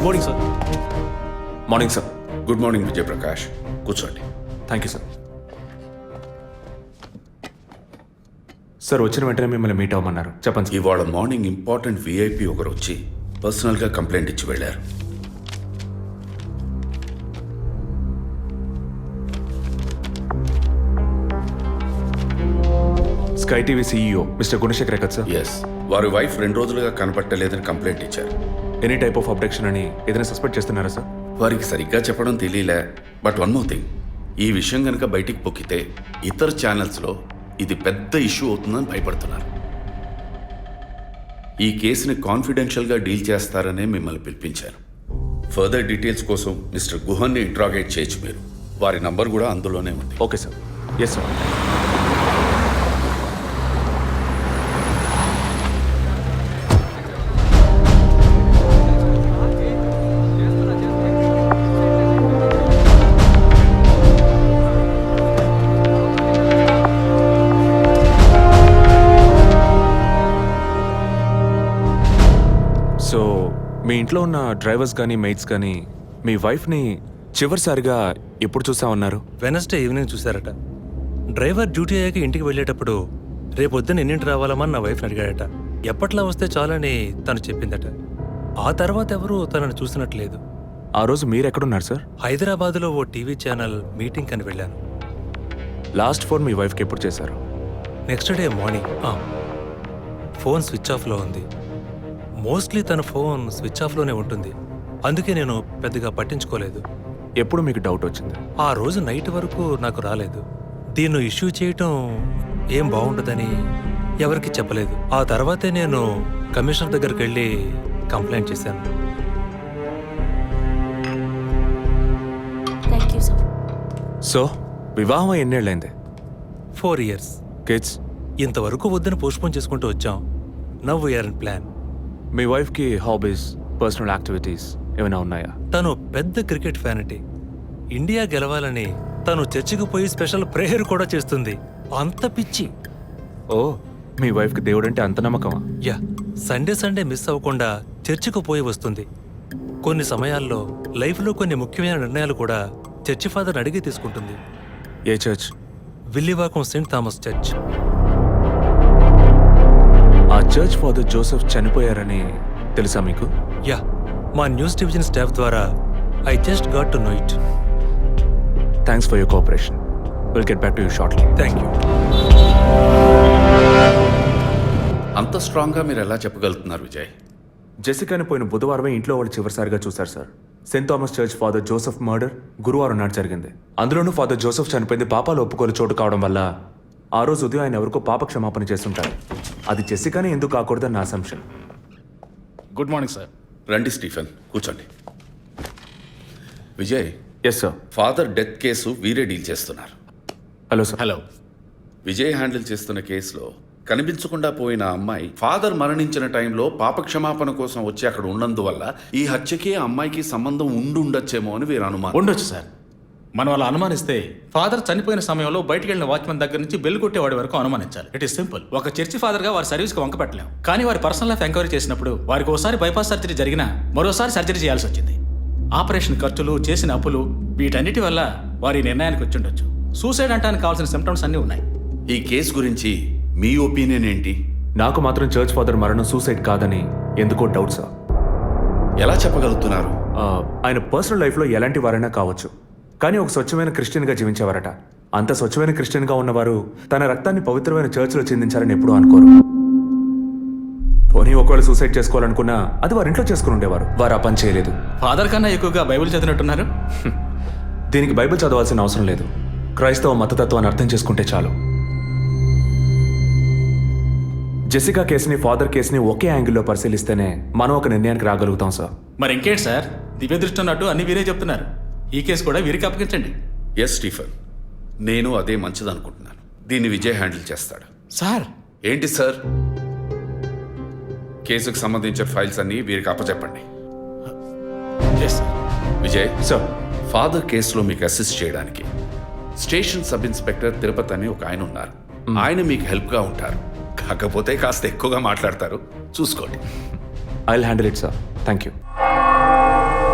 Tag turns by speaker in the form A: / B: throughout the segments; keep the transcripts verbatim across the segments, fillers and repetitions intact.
A: Morning sir.
B: Morning sir.
C: Good morning Vijayaprakash, కూర్చోండి.
B: Thank you sir. Sir వచ్చిన వెంటనే మిమ్మల్ని మీట్ అవ్వమన్నారు, చెప్పండి సార్.
C: ఇవాళ మార్నింగ్ ఇంపార్టెంట్ విఐపి ఒకరు వచ్చి పర్సనల్గా కంప్లైంట్ ఇచ్చి వెళ్ళారు.
B: Sky TV CEO mister Gunasekhar కదా సార్?
C: ఎస్, వారి వైఫ్ రెండు రోజులుగా కనపట్టలేదని కంప్లైంట్ ఇచ్చారు.
B: ఎనీ టైప్ ఆఫ్ అబ్డక్షన్ అని ఏదైనా సస్పెక్ట్ చేస్తున్నారా సార్?
C: వారికి సరిగ్గా చెప్పడం తెలియలే. బట్ వన్ మోర్ థింగ్, ఈ విషయం కనుక బయటికి పొక్కితే ఇతర ఛానల్స్లో ఇది పెద్ద ఇష్యూ అవుతుందని భయపడుతున్నారు. ఈ కేసుని కాన్ఫిడెన్షియల్గా డీల్ చేస్తారనే మిమ్మల్ని పిలిపించారు. ఫర్దర్ డీటెయిల్స్ కోసం మిస్టర్ గుహన్ని ఇంట్రాగేట్ చేయొచ్చు మీరు. వారి నంబర్ కూడా అందులోనే ఉంది.
B: Okay sir. Yes sir. So మీ ఇంట్లో ఉన్న డ్రైవర్స్ కానీ మెయిట్స్ కానీ మీ వైఫ్ని చివరిసారిగా ఎప్పుడు చూసా ఉన్నారు?
A: వెనస్డే ఈవినింగ్ చూశారట. డ్రైవర్ డ్యూటీ అయ్యాక ఇంటికి వెళ్ళేటప్పుడు రేపొద్దున ఎన్నింటి రావాలమని నా వైఫ్ని అడిగాడట. ఎప్పట్లా వస్తే చాలని తను చెప్పిందట. ఆ తర్వాత ఎవరూ తనను చూసినట్లేదు.
B: ఆ రోజు మీరు ఎక్కడున్నారు సార్?
A: హైదరాబాద్లో ఓ టీవీ ఛానల్ మీటింగ్ అని వెళ్ళాను.
B: లాస్ట్ ఫోన్ మీ వైఫ్కి ఎప్పుడు చేశారు?
A: Next day morning. Phone switch ఆఫ్లో ఉంది. మోస్ట్లీ తన ఫోన్ స్విచ్ ఆఫ్లోనే ఉంటుంది. అందుకే నేను పెద్దగా పట్టించుకోలేదు.
B: ఎప్పుడు మీకు డౌట్ వచ్చింది?
A: ఆ రోజు నైట్ వరకు నాకు రాలేదు. దీన్ని ఇష్యూ చేయటం ఏం బాగుండదని ఎవరికి చెప్పలేదు. ఆ తర్వాతే నేను కమిషనర్ దగ్గరికి వెళ్ళి కంప్లైంట్ చేశాను.
B: సో వివాహం ఎన్నేళ్ళైంది?
A: Four years.
B: కిడ్స్?
A: ఇంతవరకు వద్దని పోస్ట్పోన్ చేసుకుంటూ వచ్చాం. Now we are in plan.
B: మీ వైఫ్కి హాబీస్, పర్సనల్ యాక్టివిటీస్ ఏమైనా ఉన్నాయా?
A: తను పెద్ద క్రికెట్ ఫ్యానిటీ. ఇండియా గెలవాలని తను చర్చికి పోయి స్పెషల్ ప్రేయర్ కూడా చేస్తుంది. అంత పిచ్చి.
B: ఓ, మీ వైఫ్కి దేవుడంటే అంత నమ్మకమా?
A: యా, సండే సండే మిస్ అవ్వకుండా చర్చికి పోయి వస్తుంది. కొన్ని సమయాల్లో లైఫ్లో కొన్ని ముఖ్యమైన నిర్ణయాలు కూడా చర్చి ఫాదర్ని అడిగి తీసుకుంటుంది.
B: ఏ church?
A: Villivakkam saint Thomas church.
B: ఆ చర్చ్ ఫాదర్ జోసెఫ్ చనిపోయారని తెలుసా మీకు?
A: యా, మా న్యూస్ డివిజన్ స్టాఫ్ ద్వారా I just got to know it.
B: Thanks for your cooperation. Will get back to you shortly.
A: Thank you.
C: అంత స్ట్రాంగ్గా మీరు ఎలా చెప్పగలుగుతున్నారు విజయ్?
B: జెసికాని పోయిన బుధవారమే ఇంట్లో వాళ్ళు చివరిసారిగా చూశారు sir. Saint Thomas church father Joseph murder గురువారం నాడు జరిగింది. అందులోనూ ఫాదర్ జోసెఫ్ చనిపోయింది పాపాలు ఒప్పుకోలు చోటు కావడం వల్ల ఆ రోజు ఉదయం ఆయన ఎవరికో పాప క్షమాపణ చేస్తుంటారు. అది జెసికానే ఎందుకు కాకూడదని నా అసంప్షన్.
D: Good morning sir.
C: రండి స్టీఫెన్, కూర్చోండి. Vijay,
B: yes sir.
C: Father death case వీరే డీల్ చేస్తున్నారు.
B: Hello sir.
D: Hello.
C: Vijay handle చేస్తున్న కేసులో కనిపించకుండా పోయిన అమ్మాయి ఫాదర్ మరణించిన టైంలో పాప క్షమాపణ కోసం వచ్చి అక్కడ ఉన్నందువల్ల ఈ హత్యకి ఆ అమ్మాయికి సంబంధం ఉండి ఉండొచ్చేమో అని వీరు అనుమానం.
D: ఉండొచ్చు సార్. మనం అలా అనుమానిస్తే ఫాదర్ చనిపోయిన సమయంలో బయటికి వెళ్ళిన వాచ్మెన్ దగ్గర నుంచి బెల్ కొట్టేవాడి వరకు అనుమానించాలి. It is simple. ఒక చర్చి ఫాదర్గా వారి సర్వీస్కి వంక పెట్టలేం. కానీ వారి పర్సనల్ లైఫ్ ఎంక్వైరీ చేసినప్పుడు వారికి ఒకసారి బైపాస్ సర్జరీ జరిగినా మరోసారి సర్జరీ చేయాల్సి వచ్చింది. ఆపరేషన్ ఖర్చులు, చేసిన అప్పులు, వీటన్నిటి వల్ల వారి నిర్ణయానికి వచ్చి ఉండొచ్చు. సూసైడ్ అంటానికి కావాల్సిన సిమ్టమ్స్ అన్నీ ఉన్నాయి.
C: ఈ కేసు గురించి మీ ఒపీనియన్ ఏంటి?
B: నాకు మాత్రం చర్చ్ ఫాదర్ మరణం సూసైడ్ కాదని ఎందుకో డౌట్ సార్.
C: ఎలా చెప్పగలుగుతున్నారు?
B: ఆయన పర్సనల్ లైఫ్లో ఎలాంటి వారైనా కావచ్చు, కానీ ఒక స్వచ్ఛమైన క్రిస్టియన్గా జీవించేవారట. అంత స్వచ్ఛమైన క్రిస్టియన్గా ఉన్నవారు తన రక్తాన్ని పవిత్రమైన చర్చ్లో చెందించాలని ఎప్పుడూ అనుకోరు. పోనీ ఒకవేళ సూసైడ్ చేసుకోవాలనుకున్నా అది వారి ఇంట్లో చేసుకుని ఉండేవారు. వారు ఆ పని చేయలేదు.
D: ఫాదర్ కన్నా ఎక్కువగా బైబిల్ చదివినట్టున్నారు.
B: దీనికి బైబిల్ చదవాల్సిన అవసరం లేదు. క్రైస్తవ మతతత్వాన్ని అర్థం చేసుకుంటే చాలు. జెసికా కేసుని, ఫాదర్ కేసుని ఒకే యాంగిల్లో పరిశీలిస్తేనే మనం ఒక నిర్ణయానికి రాగలుగుతాం సార్.
D: మరి ఇంకేంటి సార్, దివ్య దృష్టి ఉన్నట్టు అన్ని వీరే చెప్తున్నారు. ఈ కేసు కూడా వీరికి అప్పగించండి.
C: ఎస్ స్టీఫెన్, నేను అదే మంచిదనుకుంటున్నాను. దీన్ని విజయ్ హ్యాండిల్ చేస్తాడు.
D: సార్.
C: ఏంటి సార్? కేసుకు సంబంధించిన ఫైల్స్ అన్ని వీరికి అప్పచెప్పండి.
D: Yes sir.
C: Vijay
B: sir,
C: father కేసులో మీకు అసిస్ట్ చేయడానికి స్టేషన్ సబ్ ఇన్స్పెక్టర్ తిరుపతి అని ఒక ఆయన ఉన్నారు. ఆయన మీకు హెల్ప్గా ఉంటారు. కాకపోతే కాస్త ఎక్కువగా మాట్లాడతారు, చూసుకోండి.
B: I will handle it sir. Thank you.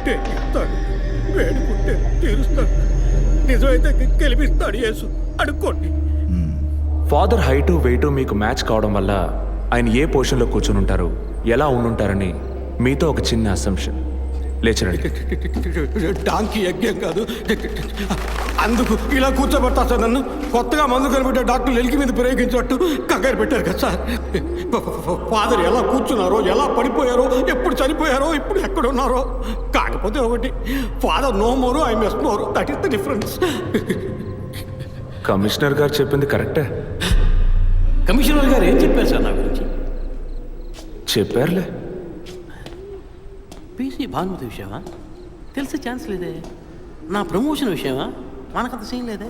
E: అడుక్కుంటే ఇస్తాడు, వేడుకుంటే తీరుస్తాడు. నిజమైతే గెలిపిస్తాడు యేసు. అడుక్కోండి.
B: ఫాదర్ హైటు వెయిటు మీకు మ్యాచ్ కావడం వల్ల ఆయన ఏ పొజిషన్లో కూర్చుని ఉంటారు, ఎలా ఉండుంటారని మీతో ఒక చిన్న అసంప్షన్. లేచరండి.
E: డాంకీ యజ్ఞం కాదు, అందుకు ఇలా కూర్చోబెడతా సార్ నన్ను. కొత్తగా మందు కనిపెట్టే డాక్టర్లు ఎలికి మీద ప్రయోగించినట్టు కంగారు పెట్టారు కదా సార్. ఫాదర్ ఎలా కూర్చున్నారో, ఎలా పడిపోయారో, ఎప్పుడు చనిపోయారో, ఇప్పుడు ఎక్కడున్నారో. కాకపోతే ఒకటి, father no more, I mess more. That is the difference.
B: Commissioner గారు చెప్పింది కరెక్టే.
E: కమిషనర్ గారు ఏం చెప్పారు సార్ నా గురించి?
B: చెప్పారులే.
F: పీసీ భానుమతి విషయమా? తెలిసే ఛాన్స్ లేదే. నా ప్రమోషన్ విషయమా? మనకంత సీన్ లేదే.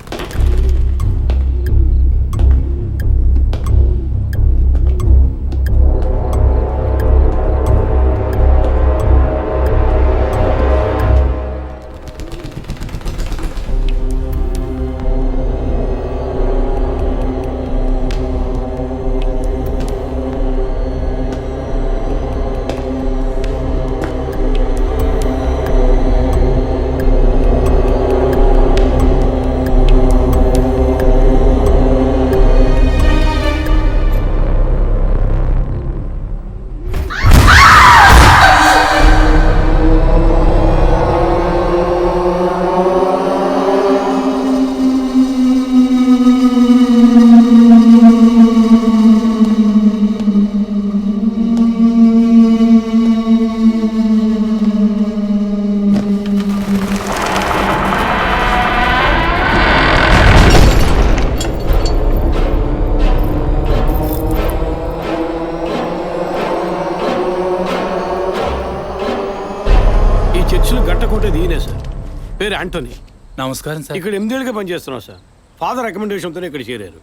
E: గట్టకోటేది ఈయనే సార్. పేరు యాంటోనీ.
D: నమస్కారం సార్.
E: ఇక్కడ ఎనిమిదేళ్ళుగా పనిచేస్తున్నాం సార్. ఫాదర్ రికమెండేషన్తోనే ఇక్కడ చేరారు.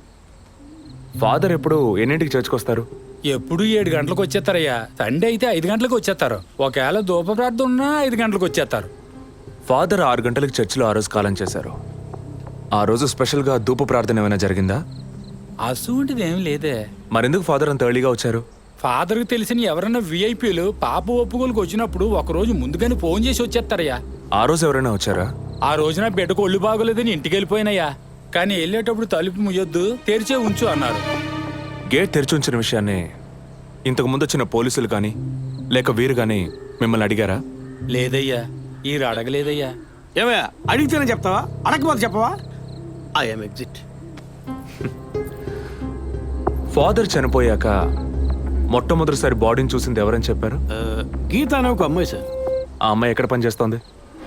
B: ఫాదర్ ఎప్పుడు ఎన్నింటికి చర్చ్కి వస్తారు?
G: ఎప్పుడు ఏడు గంటలకు వచ్చేస్తారయ్యా. సండే అయితే ఐదు గంటలకు వచ్చేస్తారు. ఒకవేళ ధూప ప్రార్థన ఉన్నా ఐదు గంటలకు వచ్చేస్తారు.
B: ఫాదర్ ఆరు గంటలకు చర్చిలో ఆ రోజు కాలం చేశారు. ఆ రోజు స్పెషల్గా ధూప ప్రార్థన ఏమైనా జరిగిందా?
G: అసువంటిది ఏం లేదే.
B: మరెందుకు ఫాదర్ అంత ఎర్లీగా వచ్చారు?
G: ఫాదర్కి తెలిసిన ఎవరైనా విఐపీలు పాప ఒప్పుకోలకు వచ్చినప్పుడు ఒకరోజు ముందుగానే ఫోన్ చేసి వచ్చేస్తారయ్యా.
B: ఆ రోజు ఎవరైనా వచ్చారా?
G: ఆ రోజున బిడ్డకు ఒళ్ళు బాగోలేదని ఇంటికి వెళ్ళిపోయినయ్యా. కానీ వెళ్ళేటప్పుడు తలుపు ముయ్యొద్దు, తెరిచే ఉంచు అన్నారు.
B: గేట్ తెరిచి ఉంచిన విషయాన్ని ఇంతకు ముందు వచ్చిన పోలీసులు కానీ లేక వీరు కానీ మిమ్మల్ని అడిగారా?
G: లేదయ్యా, ఈ అడగలేదయ్యా.
E: ఏమయ్యా అడిగితేనే చెప్తావా, అడగకపోతే చెప్పవా? I'm exit.
B: ఫాదర్ చనిపోయాక మొట్టమొదటిసారి బాడీని చూసింది ఎవరని చెప్పారు?
E: గీత అనే ఒక అమ్మాయి సార్.
B: ఆ అమ్మాయి ఎక్కడ పనిచేస్తోంది?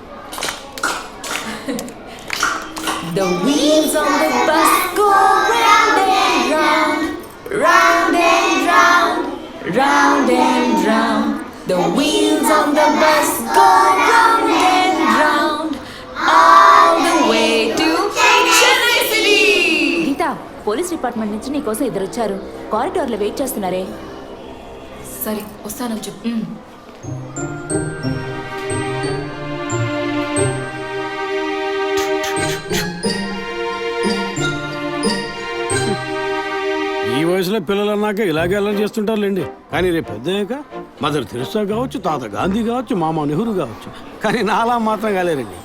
H: The wheels on the bus go round and round, round and round, round and round. The wheels on the bus go round and round, all the way to Chennai City.
I: Geetha, police department నుంచి నీకోసం ఇద్దరు వచ్చారు. కారిడార్లో wait చేస్తున్నారే.
H: సరే వస్తానని చెప్పు.
E: ఈ వయసులో పిల్లలు అన్నాక ఇలాగే అల్లరి చేస్తుంటారులేండి. కానీ రేపు పెద్దయ్యాక మదర్ తెరిసా కావచ్చు, తాత గాంధీ కావచ్చు, మామ నెహ్రూ కావచ్చు, కానీ నాలా మాత్రం కాలేరండి.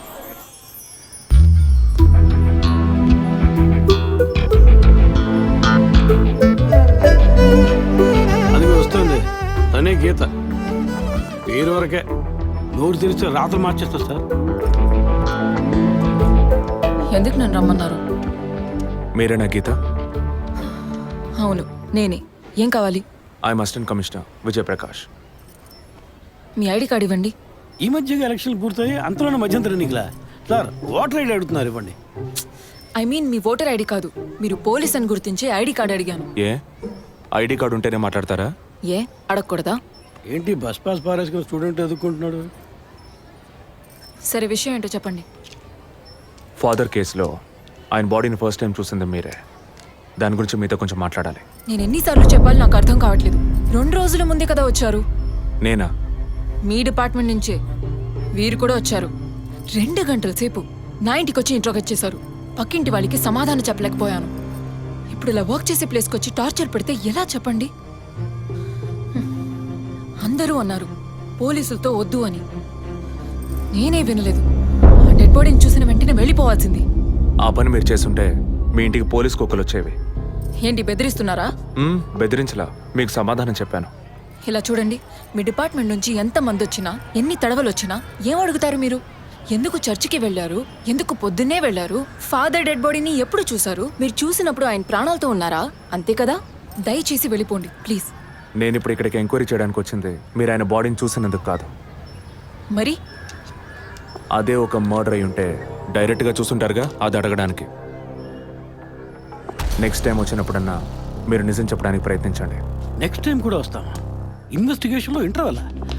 E: అది వస్తుంది తనే గీత. పేరు వరకే, నోరు తెరిస్తే రాత్రి మార్చేస్తా సార్.
H: ఎందుకు నన్ను రమ్మన్నారు?
B: మీరేనా గీత?
H: అవును నేనే. ఏం కావాలి?
B: I'm assistant commissioner Vijayaprakash.
H: మీ ఐడి కార్డ్ ఇవ్వండి.
E: ఈ మధ్యగా ఎలక్షన్లు పూర్తయి అంతలోనే మధ్యంతర ఎన్నికలా సార్? ఓటర్ ఐడి అడుగుతున్నారు, ఇవ్వండి.
H: ఐ మీన్ మీ ఓటర్ ఐడి కాదు, మీరు పోలీస్ అని గుర్తించే ఐడి కార్డ్ అడిగాను.
B: ఏ ఐడి కార్డు ఉంటేనే మాట్లాడతారా?
H: ఏ అడగకూడదా?
E: ఏంటి బస్ పాస్ పారేసుకుని స్టూడెంట్ ఎదుర్కొంటున్నాడు?
H: సరే విషయం ఏంటో చెప్పండి.
B: ఫాదర్ కేసులో ఆయన బాడీని ఫస్ట్ టైం చూసింది మీరే. దాని గురించి మీతో కొంచెం మాట్లాడాలి.
H: నేను ఎన్నిసార్లు చెప్పాలి నాకు అర్థం కావట్లేదు. రెండు రోజుల ముందే కదా వచ్చారు.
B: నేనా?
H: మీ డిపార్ట్మెంట్ నుంచే వీరు కూడా వచ్చారు. రెండు గంటల సేపు నా ఇంటికి వచ్చి ఇంట్రోగేట్ చేశారు. పక్కింటి వాళ్ళకి సమాధానం చెప్పలేకపోయాను. ఇప్పుడు ఇలా వర్క్ చేసే ప్లేస్కి వచ్చి టార్చర్ పెడితే ఎలా చెప్పండి? హ్మ్. అందరూ అన్నారు పోలీసులతో వద్దు అని. నేనే వినలేదు. డెడ్ బాడీని చూసిన వెంటనే వెళ్ళిపోవాల్సింది.
B: ఆ పని మీరు చేస్తుంటే మీ ఇంటికి పోలీస్ కుక్కలు వచ్చేవి.
H: ఏంటి బెదిరిస్తున్నారా?
B: మ్మ్, బెదిరించలా, మీకు సమాధానం చెప్పాను.
H: ఇలా చూడండి, మీ డిపార్ట్మెంట్ నుంచి ఎంత మంది వచ్చినా, ఎన్ని తడవలు వచ్చినా ఏం అడుగుతారు మీరు? ఎందుకు చర్చికి వెళ్ళారు? ఎందుకు పొద్దున్నే వెళ్ళారు? ఫాదర్ డెడ్ బాడీని ఎప్పుడు చూసారు? మీరు చూసినప్పుడు ఆయన ప్రాణాలతో ఉన్నారా? అంతే కదా? దయచేసి వెళ్ళిపోండి ప్లీజ్.
B: నేను ఇప్పుడు ఇక్కడికి ఎంక్వైరీ చేయడానికి వచ్చింది మీరు ఆయన బాడీని చూసినందుకు కాదు.
H: మరి
B: అదే ఒక మర్డర్ అయి ఉంటే డైరెక్ట్గా చూసుంటారుగా, అది అడగడానికి. నెక్స్ట్ టైం వచ్చినప్పుడన్నా మీరు నిజం చెప్పడానికి ప్రయత్నించండి.
E: నెక్స్ట్ టైం కూడా వస్తామా? ఇన్వెస్టిగేషన్లో ఇంటర్వల్.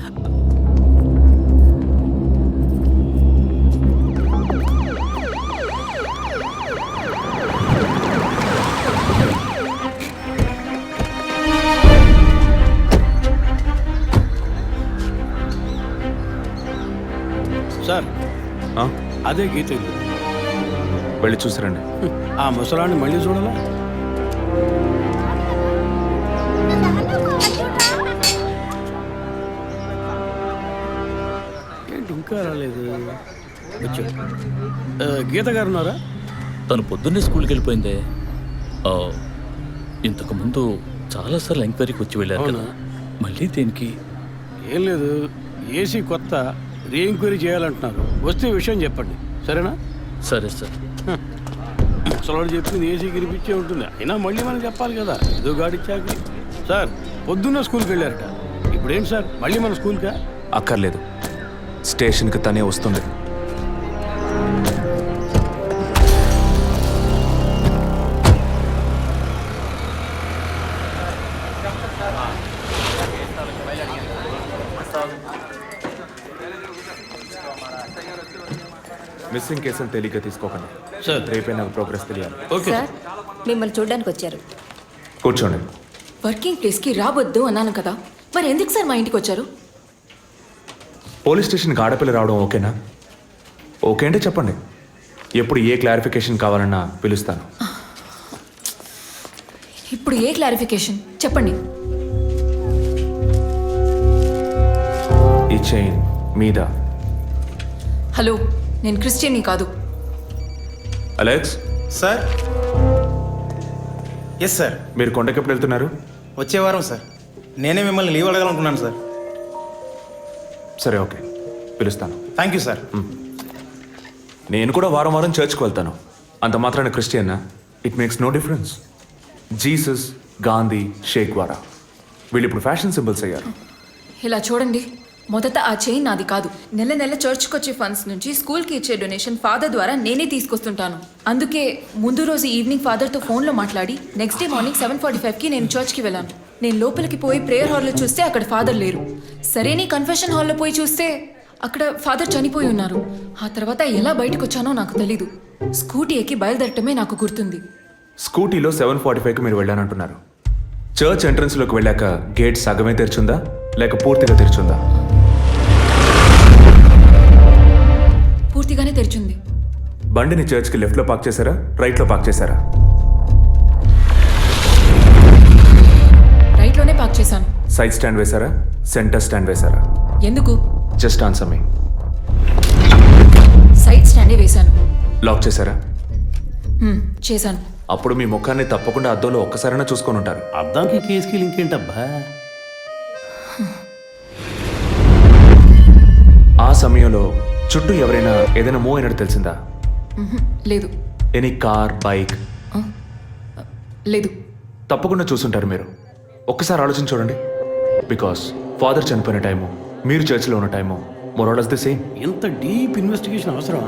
E: సార్,
B: ఆ?
E: అదే గీత ఇల్లు.
B: వెళ్ళి చూసిరండి.
E: ఆ ముసలాన్ని మళ్ళీ చూడాలా? ఏంటి ఇంకా రాలేదు? వచ్చాడు. ఆ, గీత గారు ఉన్నారా?
J: తను పొద్దున్నే స్కూల్కి వెళ్ళిపోయిందే. ఆ, ఇంతకు ముందు చాలాసార్లు ఎంక్వైరీకి వచ్చి వెళ్ళారు కదా, మళ్ళీ దేనికి?
E: ఏం లేదు, ఏసీ కొత్త, రీ ఎంక్వైరీ చేయాలంటున్నారు. వస్తే విషయం చెప్పండి, సరేనా?
J: సరే సార్.
E: ముసలాడు చెప్పింది ఏసీ గిరిపించే ఉంటుంది, అయినా మళ్ళీ మనం చెప్పాలి కదా, ఏదో గాడిచ్చాకి. సార్, పొద్దున్న స్కూల్కి వెళ్ళారట, ఇప్పుడు ఏంటి సార్ మళ్ళీ మన స్కూల్కా?
B: అక్కర్లేదు, స్టేషన్కి తనే వస్తుంది. మిస్సింగ్ కేసును తేలిగ్గా తీసుకోకండి
E: సార్.
B: రేపే నాకు ప్రోగ్రెస్ తెలియాలి.
E: ఓకే
I: సార్, మిమ్మల్ని చూడడానికి వచ్చారు.
B: కూర్చోండి.
H: వర్కింగ్ ప్లేస్కి రావద్దు అన్నాను కదా, మరి ఎందుకు సార్ మా ఇంటికి వచ్చారు?
B: పోలీస్ స్టేషన్కి ఆడపిల్ల రావడం ఓకేనా? ఓకే అంటే చెప్పండి, ఎప్పుడు ఏ క్లారిఫికేషన్ కావాలన్నా పిలుస్తాను.
H: ఇప్పుడు ఏ క్లారిఫికేషన్ చెప్పండి.
B: ఈ చైన్ మీద.
H: హలో, నేను క్రిస్టియన్ని కాదు.
B: Alex,
K: sir. Yes sir.
B: మీరు కొండకి ఎప్పుడు వెళ్తున్నారు?
K: వచ్చే వారం సార్. నేనే మిమ్మల్ని లీవ్ అడగాలనుకున్నాను సార్.
B: సరే, ఓకే, పిలుస్తాను.
K: Thank you sir.
B: నేను కూడా వారం వారం చర్చ్కి వెళ్తాను. అంత మాత్రాన క్రిస్టియన్నా? It makes no difference. Jesus, Gandhi, షేక్ వారా వీళ్ళు ఇప్పుడు ఫ్యాషన్ సింబల్స్ అయ్యారు.
H: ఇలా చూడండి, మొదట ఆ చైన్ నాది కాదు. నెల నెల చర్చ్కి వచ్చే ఫండ్స్ నుంచి స్కూల్కి ఇచ్చే డొనేషన్ ఫాదర్ ద్వారా నేనే తీసుకొస్తుంటాను. అందుకే ముందు రోజు ఈవినింగ్ ఫాదర్తో ఫోన్లో మాట్లాడి next day morning seven forty ఫైవ్కి నేను చర్చ్కి వెళ్ళాను. నేను లోపలికి పోయి ప్రేయర్ హాల్లో చూస్తే అక్కడ ఫాదర్ లేరు. సరేని కన్ఫెషన్ హాల్లో పోయి చూస్తే అక్కడ ఫాదర్ చనిపోయి ఉన్నారు. ఆ తర్వాత ఎలా బయటకు వచ్చానో నాకు తెలీదు. స్కూటీ ఎక్కి బయలుదేరటమే నాకు గుర్తుంది.
B: స్కూటీలో సెవెన్ ఫార్టీ ఫైవ్కి మీరు వెళ్ళానంటున్నారు. చర్చ్ ఎంట్రన్స్లోకి వెళ్ళాక గేట్ సగమే తెరిచుందా లేక పూర్తిగా తెరిచుందా?
H: పూర్తిగానే తెరిచింది.
B: బండిని చర్చ్కి లెఫ్ట్లో పార్క్ చేశారా, రైట్లో పార్క్ చేశారా?
H: రైట్లోనే పార్క్ చేశాను.
B: సైడ్ స్టాండ్ వేశారా, సెంటర్ స్టాండ్ వేశారా?
H: ఎందుకు?
B: Just answer me.
H: సైడ్ స్టాండే వేశాను.
B: లాక్ చేశారా?
H: హ్మ్, చేశాను.
B: అప్పుడు మీ ముఖాన్ని తప్పకుండా అద్దంలో ఒక్కసారైనా చూసుకొని ఉంటారు.
E: అద్దానికి కేసుకి లింక్ ఏంటబ్బా?
B: ఆ సమయంలో చుట్టూ ఎవరైనా ఏదైనా మూవ్ అయినట్టు తెలిసిందా?
H: మ్హూ, లేదు.
B: Any car, bike?
H: లేదు.
B: తప్పకుండా చూసుంటారు మీరు. ఒక్కసారి ఆలోచన చూడండి. బికాస్ ఫాదర్ చనిపోయిన టైము, మీరు చర్చిలో ఉన్న టైము మోరాలస్ ది సేమ్.
E: ఎంత డీప్ ఇన్వెస్టిగేషన్ అవసరమా?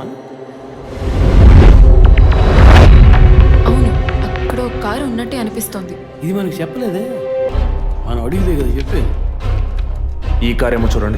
H: అవును, అక్కడ ఒక కారు ఉన్నట్టే అనిపిస్తోంది.
E: ఇది మనకి చెప్పలేదే, మనం అడిగితే కదా చెప్పేది.
B: ఈ కార్ ఏమో చూడండి.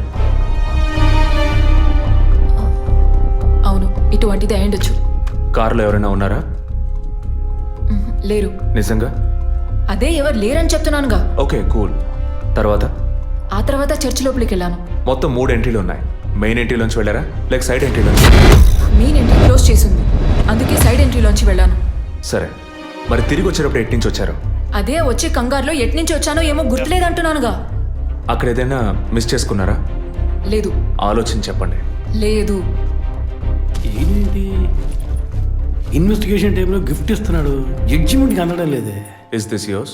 H: అవును, ఇటువంటిది అయ్యుండొచ్చు.
B: కారులో ఎవరైనా ఉన్నారా?
H: మ్హూ, లేరు.
B: నిజంగా?
H: అదే ఎవరు లేరని చెప్తున్నానుగా.
B: Okay, cool. తర్వాత?
H: ఆ తర్వాత చర్చ్ లోపలికి వెళ్ళాను.
B: మొత్తం మూడు ఎంట్రీలు ఉన్నాయి. మెయిన్ ఎంట్రీలోంచి వెళ్ళారా లేక సైడ్ ఎంట్రీలోంచి?
H: మెయిన్ ఎంట్రీ క్లోజ్ చేసింది, అందుకే సైడ్ ఎంట్రీలోంచి వెళ్ళాను.
B: సరే, మరి తిరిగి వచ్చేటప్పుడు ఎటు నుంచి వచ్చారు?
H: అదే వచ్చే కంగారులో ఎట్నుంచి వచ్చానో ఏమో గుర్తులేదంటున్నానుగా.
B: అక్కడ ఏదైనా మిస్ చేసుకున్నారా?
H: లేదు.
B: ఆలోచించి చెప్పండి.
H: లేదు.
E: ఏంటి ఇన్వెస్టిగేషన్ టైంలో గిఫ్ట్ ఇస్తున్నాడు, జడ్జిమెంట్కి అందడం లేదే.
B: Is this yours?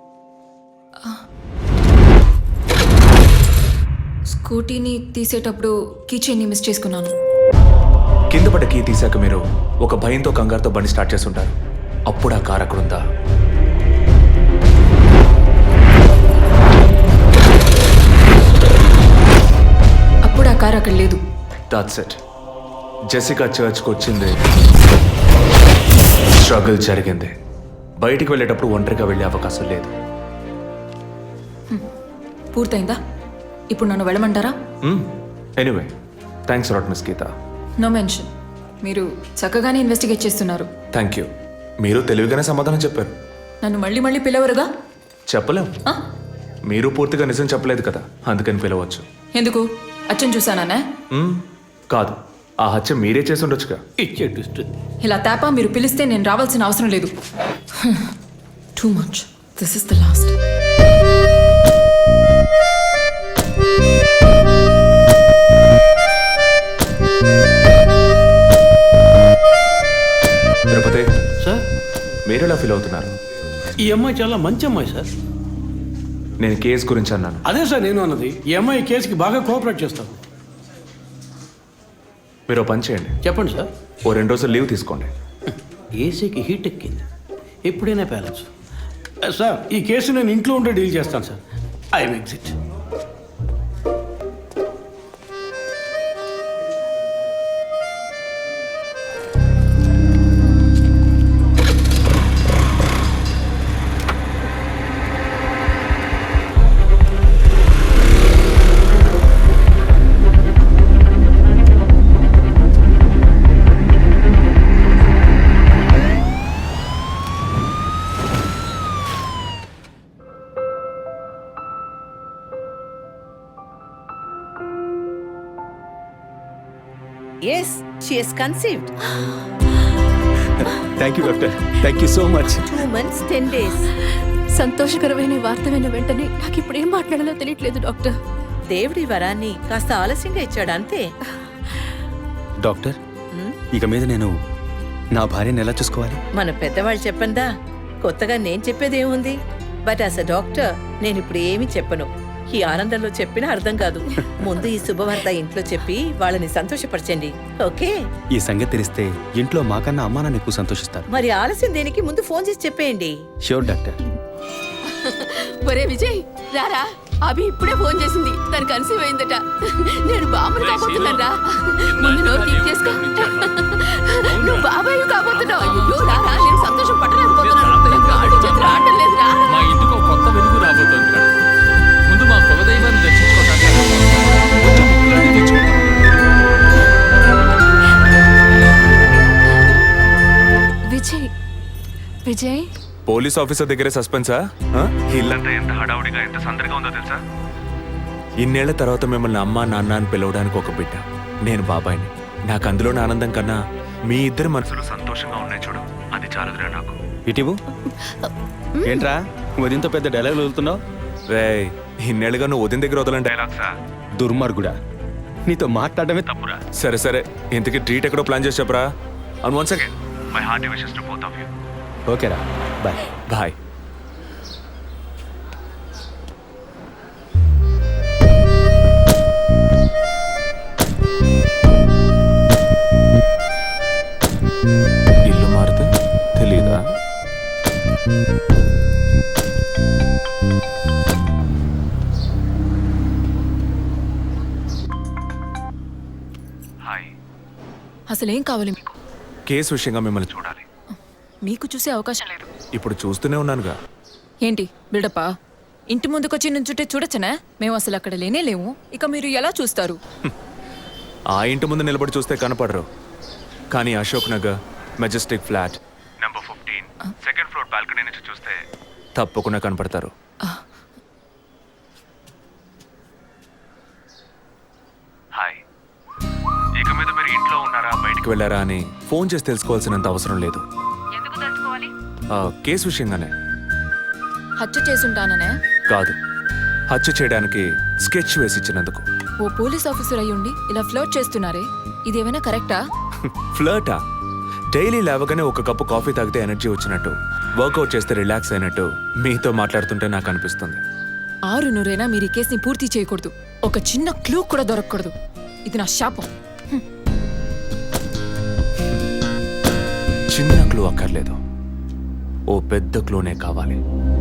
H: స్కూటీని తీసేటప్పుడు కీచైన్ని మిస్ చేసుకున్నాను.
B: కింద పడ్డ కీ తీసాక మీరు ఒక భయంతో కంగారుతో బండి స్టార్ట్ చేస్తుంటారు. అప్పుడు ఆ కార్ అక్కడ ఉందా?
H: అప్పుడు ఆ కారు అక్కడ లేదు.
B: That's it. జెసికా చర్చ్కి వచ్చింది, స్ట్రగుల్ జరిగింది. బయటికి వెళ్ళేటప్పుడు ఒంటరిగా వెళ్ళే అవకాశం లేదు.
H: పూర్తయిందా? ఇప్పుడు నన్ను వెళ్ళమంటారా?
B: Anyway, thanks lot miss Geetha.
H: No mention. మీరు చక్కగానే ఇన్వెస్టిగేట్ చేస్తున్నారు.
B: Thank you. మీరు తెలివిగానే సమాధానం చెప్పారు.
H: నన్ను మళ్ళీ మళ్ళీ పిలవరుగా?
B: చెప్పలేం.
H: ఆ?
B: మీరు పూర్తిగా నిజం చెప్పలేదు కదా, అందుకని పిలవచ్చు.
H: ఎందుకు? అచ్చం చూసానా?
B: మ్మ్, కాదు, ఆ హత్య మీరే చేసి ఉండొచ్చుగా.
E: ఇచ్చే ట్విస్ట్.
H: ఇలా తేపా మీరు పిలిస్తే నేను రావాల్సిన అవసరం లేదు. Too much. This is the last.
B: Tirupati
E: sir,
B: మీరు ఎలా ఫీల్ అవుతున్నారు?
E: ఈ అమ్మాయి చాలా మంచి అమ్మాయి సార్.
B: నేను కేసు గురించి అన్నాను.
E: అదే సార్ నేను అన్నది. ఈ అమ్మాయి కేసుకి బాగా కోఆపరేట్ చేస్తాను.
B: మీరు ఓ పని చేయండి,
E: చెప్పండి సార్.
B: ఓ రెండు రోజులు లీవ్ తీసుకోండి.
E: ఏసీకి హీట్ ఎక్కింది, ఎప్పుడైనా పేలచ్చు. సార్, ఈ కేసు నేను ఇంట్లో ఉంటే డీల్ చేస్తాను sir. I'm exit.
L: Yes, she is conceived.
K: Thank you doctor, thank you so much.
L: Two months, ten days.
H: సంతోషకరమైన వార్త విన్న వెంటనే నాకు ఇప్పుడు ఏం మాట్లాడాలో తెలియట్లేదు డాక్టర్.
L: దేవుడి వరాన్ని కాస్త ఆలస్యంగా ఇచ్చాడు అంతే.
K: డాక్టర్, ఇక మీద నేను నా భార్యను ఎలా చూసుకోవాలి?
L: మన పెద్దవాళ్ళు చెప్పందా, కొత్తగా నేను చెప్పేది ఏముంది? బట్ యాజ్ అ డాక్టర్ నేను ఇప్పుడు ఏమీ చెప్పను. ఈ ఆనందంలో చెప్పినా అర్థం కాదు. ముందు ఈ శుభవార్త ఇంట్లో చెప్పి వాళ్ళని సంతోషపరచండి, ఓకే?
K: ఈ సంగతి తెలిస్తే ఇంట్లో మాకన్నా అమ్మా నాన్న ఎక్కువ సంతోషిస్తారు.
L: మరి ఆలస్యం దేనికి? ముందు ఫోన్ చేసి చెప్పేయండి.
K: Sure doctor.
H: ఒరే విజయ్, రారా. అభి ఇప్పుడే ఫోన్ చేసింది, తను కన్సీవ్ అయిందట. నేను బాబుని కాబోతున్నారా? ముందు నోరు తీపి చేసుకో. నువ్వు బాబాయ్ కాబోతున్నావు. అయ్యో రారా, నేను సంతోషం పట్టలేకపోతున్నాను. గాడి చేతులు ఆడటం లేదురా.
J: మా ఇంటికి ఒక కొత్త వెలుగు రాబోతోంది మేడం. ముందు మా కులదైవాన్ని దర్శించుకోవడానికి కొంచెం ముక్కులన్నీ తెచ్చుకుంటాం.
H: విజయ్, విజయ్
B: పోలీస్ ఆఫీసర్ దగ్గరే సస్పెన్సా? ఇల్లంతా ఎంత హడావుడిగా, ఎంత సందడిగా ఉందో తెలుసా? ఇన్నేళ్ల తర్వాత మిమ్మల్ని అమ్మ నాన్న అని పిలవడానికి ఒక బిడ్డ. నేను బాబాయిని. నాకు అందులోని ఆనందం కన్నా మీ ఇద్దరి మనసులు సంతోషంగా ఉన్నాయి చూడు, అది చాలుదురా నాకు.
K: ఇటీవు ఏంట్రా ఉదయంతో పెద్ద డైలాగ్ వదులుతున్నావు?
B: రే, ఇన్నేళ్ళుగా నువ్వు ఉదయం దగ్గర వదలని డైలాగ్సా?
K: దుర్మార్గుడా, నీతో మాట్లాడటమే తప్పురా.
B: సరే సరే, ఇంతకీ ట్రీట్ ఎక్కడో ప్లాన్ చేసి చెప్పరా? And once again my hearty wishes to both of you.
K: ఓకేరా, బాయ్.
B: బాయ్. ఇల్లు మారితే తెలీదా? హాయ్.
H: అసలేం కావాలి మీకు?
B: కేసు విషయంగా మిమ్మల్ని చూడాలి.
H: మీకు చూసే అవకాశం లేదు.
B: ఇప్పుడు చూస్తూనే ఉన్నానుగా.
H: ఏంటి బిల్డప్పా? ఇంటి ముందుకొచ్చి నుంచుంటే చూడొచ్చనా? మేము అసలు అక్కడ లేనే లేము, ఇక మీరు ఎలా చూస్తారు?
B: ఆ ఇంటి ముందు నిలబడి చూస్తే కనపడరు, కానీ Ashok Nagar Majestic flat number fifteen second floor balcony నుంచి చూస్తే తప్పకుండా కనపడతారు. హాయ్. ఇక మీద మీరు ఇంట్లో ఉన్నారా, బయటికి వెళ్ళారా అని ఫోన్ చేసి తెలుసుకోవాల్సినంత అవసరం లేదు. ఆ, కేసు విషయంగానే.
H: హత్య చేసుంటాననే
B: కాదు, హత్య చేయడానికి స్కెచ్ వేసి ఇచ్చినందుకు.
H: ఓ పోలీస్ ఆఫీసర్ అయ్యుండి ఇలా ఫ్లర్ట్ చేస్తున్నారే, ఇదేమైనా కరెక్టా?
B: ఫ్లర్టా? డైలీ లేవగానే ఒక కప్పు కాఫీ తాగితే ఎనర్జీ వచ్చినట్టు, వర్కౌట్ చేస్తే రిలాక్స్ అయినట్టు మీతో మాట్లాడుతుంటే నాకు అనిపిస్తుంది.
H: ఆరు నూరైనా మీరు ఈ కేసుని పూర్తి చేయకూడదు. ఒక చిన్న క్లూ కూడా దొరకకూడదు. ఇది నా శాపం.
B: చిన్న క్లూ అక్కర్లేదు, ఓ పెద్ద క్లూనే కావాలి.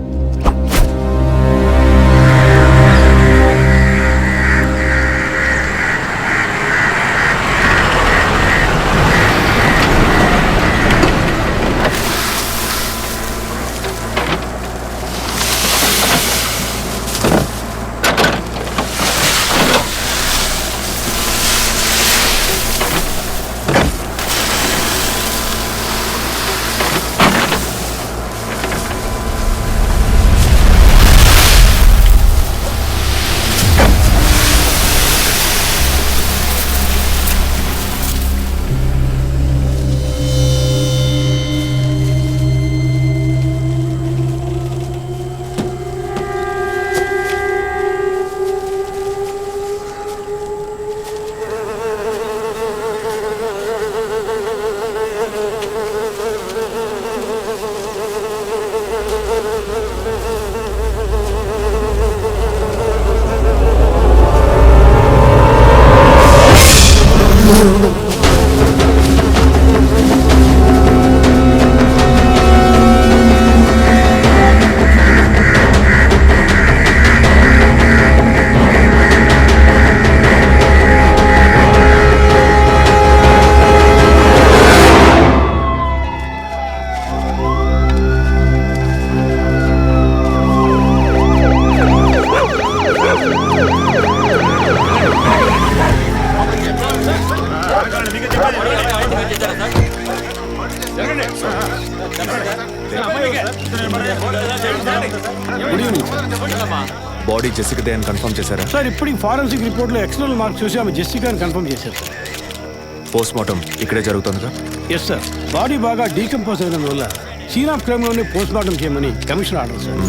B: బాడీ జెసికాదే అని కన్ఫర్మ్ చేశారా?
E: సార్ ఇప్పుడు ఫారెన్సిక్ రిపోర్ట్లో ఎక్స్టర్నల్ మార్క్స్ చూసి ఆమె జెసికా అని కన్ఫర్మ్ చేశారు సార్.
B: పోస్ట్ మార్టం ఇక్కడే జరుగుతుందిగా?
E: Yes sir. బాడీ బాగా డీకంపోజ్ అయిన వల్ల సీన్ ఆఫ్ క్రైమ్లోనే పోస్ట్ మార్టం చేయమని commission order sir.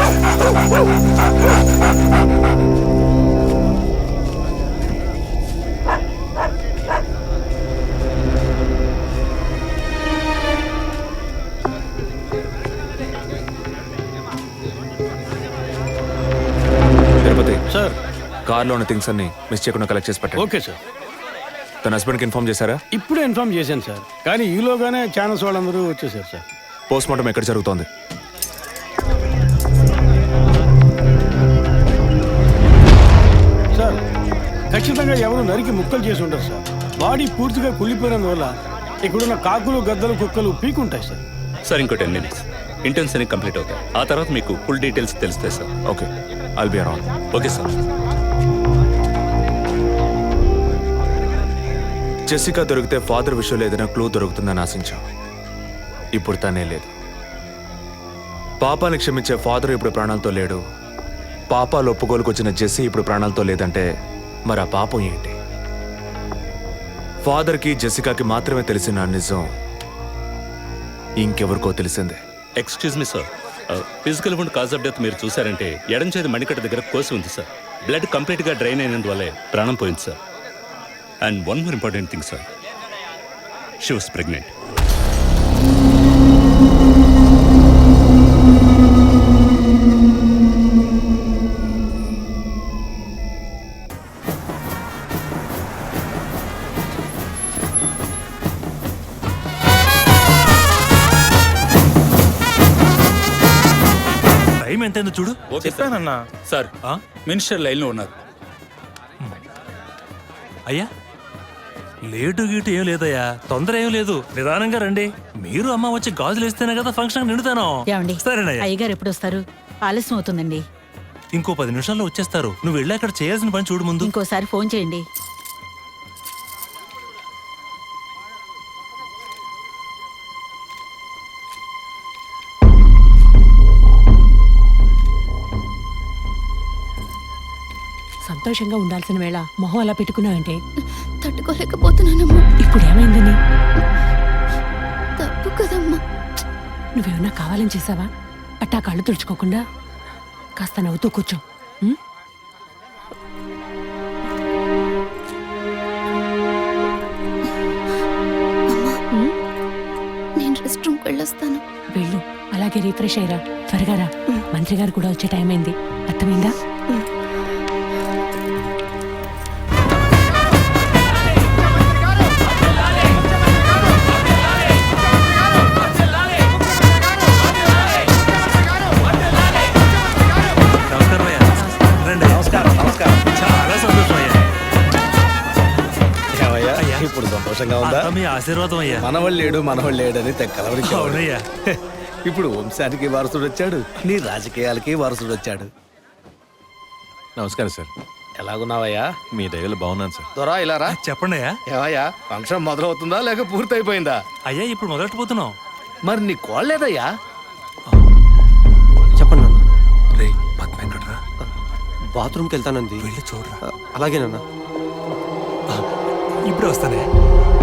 B: Tirupati
E: sir,
B: కార్లో ఉన్న థింగ్స్ అన్ని మిస్ చేయకుండా కలెక్ట్ చేసి పెట్టండి.
E: Okay sir.
B: తన హస్బెండ్కి ఇన్ఫార్మ్ చేశారా?
E: ఇప్పుడే ఇన్ఫార్మ్ చేశాను సార్, కానీ ఈలోగానే ఛానల్స్ వాళ్ళందరూ వచ్చేసారు సార్.
B: పోస్ట్ మార్టం ఎక్కడ జరుగుతోంది?
E: సార్, ఖచ్చితంగా ఎవరు నరికి ముక్కలు చేసి ఉంటారు సార్. బాడీ పూర్తిగా కుళ్ళిపోయినందువల్ల ఇక్కడున్న కాకులు గద్దలు కుక్కలు పీకుంటాయి సార్.
K: సార్ ఇంకో టెన్ మినిట్స్ ఇంటెన్స్ అని కంప్లీట్ అవుతాయి. ఆ తర్వాత మీకు ఫుల్ డీటెయిల్స్ తెలుస్తాయి sir.
B: Okay, I'll be around.
K: Okay sir.
B: Jessica దొరికితే ఫాదర్ విషయంలో ఏదైనా క్లూ దొరుకుతుందని ఆశించాం. ఇప్పుడు తనే లేదు. పాపాన్ని క్షమించే ఫాదర్ ఇప్పుడు ప్రాణాలతో లేడు. పాపాలు ఒప్పుకోలుకు వచ్చిన జెస్సీ ఇప్పుడు ప్రాణాలతో లేదంటే మరి ఆ పాపం ఏంటి? ఫాదర్కి జెసికాకి మాత్రమే తెలిసిన నిజం ఇంకెవరికో తెలిసిందే.
K: Excuse me sir, physical wound cause of death మీరు చూసారంటే ఎడం చేతి మణికట్ట దగ్గర కోసి ఉంది సార్. బ్లడ్ కంప్లీట్గా డ్రైన్ అయినందువల్లే ప్రాణం పోయింది sir. And one more important thing sir, she was pregnant.
A: Time ఎంతైందో చూడు.
G: చెప్పానన్నా. సార్,
A: ఆ?
G: మినిస్టర్ లైన్లో ఉన్నారు.
A: అయ్యా, లేటు గీటు ఏం లేదయ్యా, తొందర ఏం లేదు, నిదానంగా రండి. మీరు అమ్మ వచ్చి గాజులు వేస్తేనే కదా ఫంక్షన్ నిండుతాను. సరేనయ్యా.
L: అయ్యగారు ఎప్పుడు వస్తారు? ఆలస్యం అవుతుందండి.
A: ఇంకో పది నిమిషాల్లో వచ్చేస్తారు. నువ్వు వెళ్ళి అక్కడ చేయాల్సిన పని చూడు ముందు.
L: ఇంకోసారి ఫోన్ చేయండి.
H: సంతోషంగా ఉండాల్సిన వేళ మొహం అలా పెట్టుకున్నావంటే తట్టుకోలేకపోతున్నానమ్మా. ఇప్పుడు ఏమైందని? తప్పు కదమ్మా. నువ్వేమన్నా కావాలని చేసావా? అట్టా కళ్ళు తుడుచుకోకుండా కాస్త నవ్వుతూ కూర్చో. ఉం? వెళ్ళొస్తాను.
I: వెళ్ళు, అలాగే రిఫ్రెష్ అయ్యరా. త్వరగా రా, మంత్రి గారు కూడా వచ్చే టైం అయింది. అర్థమైందా?
A: నమస్కారం అయ్యా. రండి.
M: నమస్కారం నమస్కారం
A: చాలా సంతోషం అయ్యా.
M: ఏమయ్యా,
A: అయ్యా.
M: ఇప్పుడు సంతోషంగా ఉందా?
A: అంతా మీ ఆశీర్వాదం అయ్యా.
M: మనవాళ్ళు లేడు మనవాళ్ళు లేడని తెక్కలవరికి
A: అవునయ్యా.
M: ఇప్పుడు వంశానికి వారసుడు వచ్చాడు, నీ రాజకీయాలకి వారసుడు వచ్చాడు.
N: నమస్కారం సార్.
M: ఎలాగున్నావయ్యా?
N: మీ దయలో బాగున్నాను సార్.
M: దొరా ఇలా రా.
A: చెప్పండి అయ్యా.
M: ఏమయ్యా, ఫంక్షన్ మొదలవుతుందా లేక పూర్తయిపోయిందా?
A: అయ్యా ఇప్పుడు మొదలెట్టబోతున్నాం.
M: మరి నీ కోళ్ళేదయ్యా?
F: చెప్పండి నాన్న.
A: రే పద్మ ఎక్కడ్రా?
F: బాత్రూమ్కి వెళ్తానంది.
A: వెళ్ళి చూడరా.
F: అలాగేనన్నా.
A: ఇప్పుడే వస్తానే.